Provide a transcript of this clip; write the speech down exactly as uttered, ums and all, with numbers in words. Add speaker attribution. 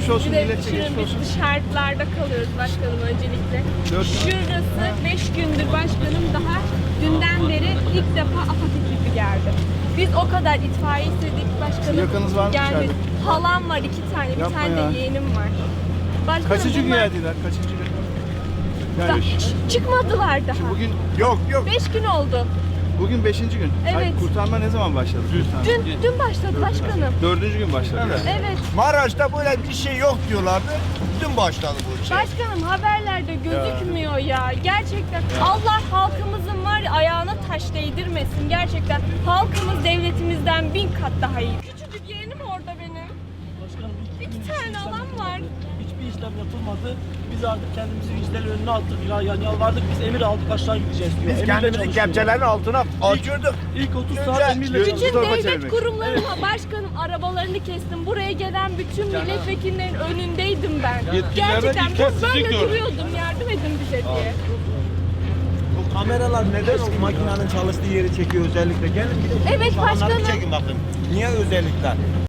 Speaker 1: Geçmiş olsun,
Speaker 2: Bir de
Speaker 1: milletçe
Speaker 2: şimdi
Speaker 1: geçmiş olsun.
Speaker 2: biz dışarılarda kalıyoruz başkanım öncelikle.
Speaker 1: Dört gün.
Speaker 2: Şurası beş gündür başkanım, daha dünden beri ilk defa AFAD ekibi geldi. Biz o kadar itfaiye istedik başkanım.
Speaker 1: Yakınız var mı
Speaker 2: gelmedi.
Speaker 1: içeride?
Speaker 2: Halam var, iki tane, bir
Speaker 1: Yapma
Speaker 2: tane
Speaker 1: ya.
Speaker 2: de yeğenim var. Başkanım,
Speaker 1: Kaçıncı gün
Speaker 2: bunlar-
Speaker 1: geldiler? Kaçıncı gün?
Speaker 2: Da-
Speaker 1: Yani
Speaker 2: ç- çıkmadılar daha.
Speaker 1: bugün
Speaker 3: Yok yok.
Speaker 2: Beş gün oldu.
Speaker 1: bugün beşinci gün.
Speaker 2: Evet.
Speaker 1: Ay, kurtarma ne zaman başladı? Kurtarma.
Speaker 2: Dün dün başladı başkanım.
Speaker 1: Dördüncü gün başladı.
Speaker 3: Evet.
Speaker 1: yani.
Speaker 2: Evet.
Speaker 3: Maraş'ta böyle bir şey yok diyorlardı. Dün başladı bu şey.
Speaker 2: Başkanım haberlerde gözükmüyor ya. Gerçekten Allah halkımızın var ya, ayağına taş değdirmesin. Gerçekten halkımız devletimizden bin kat daha iyi. Küçücük yeğenim orada benim.
Speaker 4: Başkanım ilk
Speaker 2: İki
Speaker 4: gün
Speaker 2: tane
Speaker 4: hiçbir
Speaker 2: alan
Speaker 4: işlem
Speaker 2: var.
Speaker 4: yapılmadı. Hiçbir işlem yapılmadı. Biz artık kendimizi vicdanın önüne attık. Ya, yani yalvardık, biz emir aldık, aşağı gideceğiz diyor.
Speaker 3: Biz
Speaker 4: Emirle
Speaker 3: kendimizi
Speaker 4: çalışıyor.
Speaker 3: kepçelerin altına açırdık.
Speaker 4: İlk otuz
Speaker 3: Önce-
Speaker 4: saat emirle
Speaker 1: Bütün
Speaker 2: Bütün
Speaker 4: çalışıyor.
Speaker 1: Zorba
Speaker 2: devlet
Speaker 1: çevirmek.
Speaker 2: kurumlarına başkanım arabalarını kestim. Buraya gelen bütün milletvekillerinin önündeydim ben. Gerçekten ben böyle duruyordum. Yardım edin bize diye.
Speaker 5: Bu kameralar neden o makinenin çalıştığı yeri çekiyor özellikle? Gelin bir de
Speaker 2: Evet
Speaker 5: şu alanları
Speaker 2: başkanım.
Speaker 5: bir çekin bakın. Niye özellikle?